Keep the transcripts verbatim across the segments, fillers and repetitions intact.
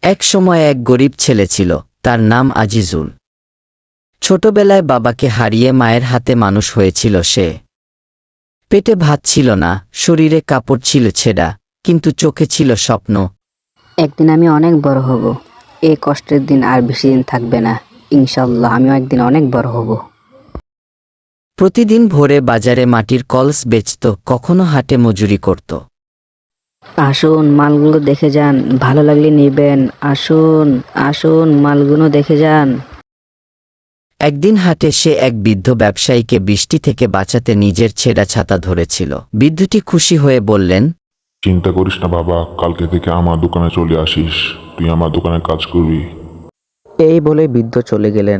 এক সময় এক গরিব ছেলে ছিল, তার নাম আজিজুল। ছোটবেলায় বাবাকে হারিয়ে মায়ের হাতে মানুষ হয়েছিল সে। পেটে ভাত ছিল না, শরীরে কাপড় ছিল ছেঁড়া, কিন্তু চোখে ছিল স্বপ্ন। একদিন আমি অনেক বড় হব। এই কষ্টের দিন আর বেশি দিন থাকবে না। ইনশাআল্লাহ আমিও একদিন অনেক বড় হব। প্রতিদিন ভোরে বাজারে মাটির কলস বেচত, কখনো হাটে মজুরি করত। আসুন মালগুলো দেখে যান, ভালো লাগলে নেবেন। আসুন আসুন মালগুলো দেখে যান। একদিন হাটে সে এক বৃদ্ধ ব্যবসায়ীকে বৃষ্টি থেকে বাঁচাতে নিজের ছেঁড়া ছাতা ধরেছিল। বৃদ্ধটি খুশি হয়ে বললেন, চিন্তা করিস না বাবা, কালকে থেকে আমার দোকানে চলে আসিস, তুই আমার দোকানে কাজ করবি। এই বলে বৃদ্ধ চলে গেলেন।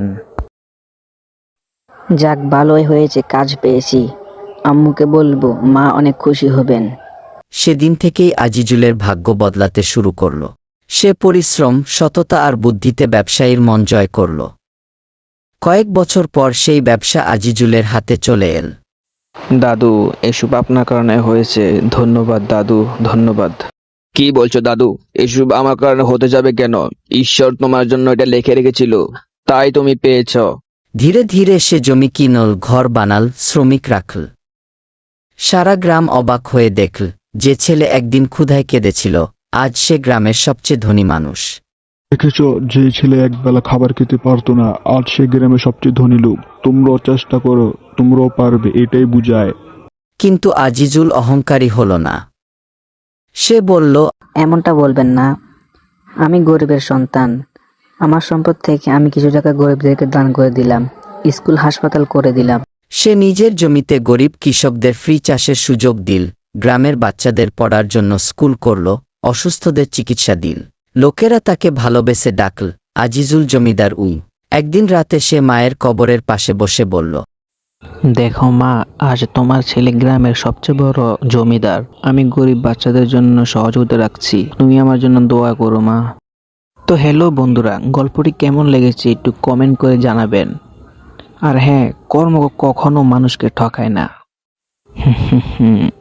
যাক, ভালোই হয়েছে, কাজ পেয়েছি। আম্মুকে বলবো, মা অনেক খুশি হবেন। সেদিন থেকেই আজিজুলের ভাগ্য বদলাতে শুরু করল। সে পরিশ্রম, সততা আর বুদ্ধিতে ব্যবসায়ীর মন জয় করল। কয়েক বছর পর সেই ব্যবসা আজিজুলের হাতে চলে এল। দাদু, এসব আপনার কারণে হয়েছে। ধন্যবাদ দাদু, ধন্যবাদ। কি বলছো দাদু? এসব আমার কারণে হতে যাবে কেন? ঈশ্বর তোমার জন্য এটা লিখে রেখেছিল, তাই তুমি পেয়েছ। ধীরে ধীরে সে জমি কিনল, ঘর বানাল, শ্রমিক রাখল। সারা গ্রাম অবাক হয়ে দেখল, যে ছেলে একদিন ক্ষুধায় কেঁদেছিল, আজ সে গ্রামের সবচেয়ে ধনী মানুষ। দেখেছ, যে ছেলে একবেলা খাবার খেতে পারতো না, আজ সে গ্রামে সবচেয়ে ধনী লোক। তোমরাও চেষ্টা করো, তোমরাও পারবে, এটাই বুঝায়। কিন্তু আজিজুল অহংকারী হল না। সে বলল, এমনটা বলবেন না, আমি গরিবের সন্তান। আমার সম্পদ থেকে আমি কিছু টাকা গরিবদেরকে দান করে দিলাম, স্কুল হাসপাতাল করে দিলাম। সে নিজের জমিতে গরিব কৃষকদের ফ্রি চাষের সুযোগ দিল, গ্রামের বাচ্চাদের পড়ার জন্য স্কুল করল, অসুস্থদের চিকিৎসা দিল। লোকেরা তাকে ভালোবেসে ডাকল আজিজুল জমিদার উই। একদিন রাতে সে মায়ের কবরের পাশে বসে বলল, দেখো মা, আজ তোমার ছেলে গ্রামের সবচেয়ে বড় জমিদার। আমি গরিব বাচ্চাদের জন্য সহযোগিতা রাখছি, তুমি আমার জন্য দোয়া করো মা। তো হ্যালো বন্ধুরা, গল্পটি কেমন লেগেছে একটু কমেন্ট করে জানাবেন। আর হ্যাঁ, কর্ম কখনো মানুষকে ঠকায় না। হুম হুম হুম